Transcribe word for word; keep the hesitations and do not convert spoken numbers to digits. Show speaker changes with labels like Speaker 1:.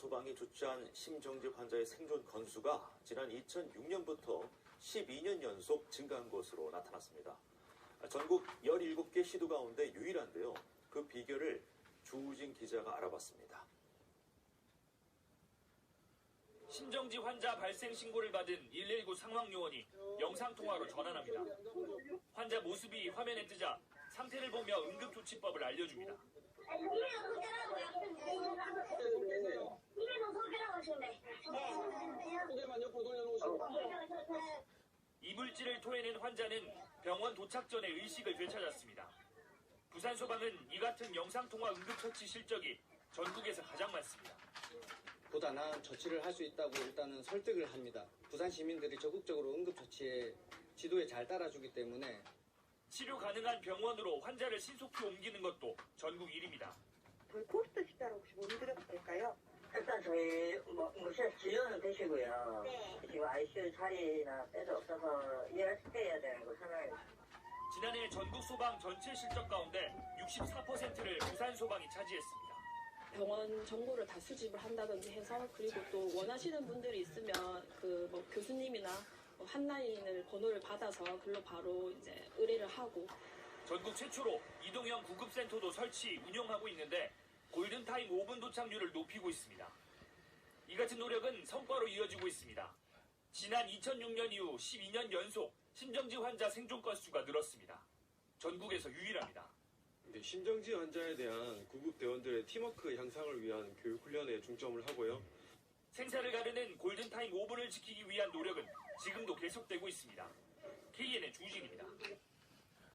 Speaker 1: 소방이 조치한 심정지 환자의 생존 건수가 지난 이천육 년부터 십이 년 연속 증가한 것으로 나타났습니다. 전국 열일곱 개 시도 가운데 유일한데요. 그 비결을 주우진 기자가 알아봤습니다.
Speaker 2: 심정지 환자 발생 신고를 받은 일일구 상황요원이 영상통화로 전환합니다. 환자 모습이 화면에 뜨자 상태를 보며 응급조치법을 알려줍니다. 이물질을 토해낸 환자는 병원 도착 전에 의식을 되찾았습니다. 부산소방은 이 같은 영상통화 응급처치 실적이 전국에서 가장 많습니다.
Speaker 3: 보다 나은 처치를 할 수 있다고 일단은 설득을 합니다. 부산 시민들이 적극적으로 응급처치에 지도에 잘 따라주기 때문에
Speaker 2: 치료 가능한 병원으로 환자를 신속히 옮기는 것도 전국 일 위입니다.
Speaker 4: 저희 코스트 식사를 혹시 문의드려도 될까요?
Speaker 5: 일단 저희 뭐 무시해서 진료는 되시고요.
Speaker 4: 네.
Speaker 5: 지금 아이씨유 자리나 배도 없어서 예약해야 되는 거 상황입니다.
Speaker 2: 지난해 전국 소방 전체 실적 가운데 육십사 퍼센트를 부산 소방이 차지했습니다.
Speaker 6: 병원 정보를 다 수집을 한다든지 해서 그리고 또 원하시는 분들이 있으면 그 뭐 교수님이나 뭐 한라인을 번호를 받아서 글로 바로 이제 의뢰를 하고
Speaker 2: 전국 최초로 이동형 구급센터도 설치 운영하고 있는데 골든타임 오 분 도착률을 높이고 있습니다. 이 같은 노력은 성과로 이어지고 있습니다. 지난 이천육 년 이후 십이 년 연속 심정지 환자 생존 건수가 늘었습니다. 전국에서 유일합니다.
Speaker 7: 심정지 환자에 대한 구급대원들의 팀워크 향상을 위한 교육훈련에 중점을 하고요.
Speaker 2: 생사를 가르는 골든타임 오 분을 지키기 위한 노력은 지금도 계속되고 있습니다. 케이엔엔 주진입니다.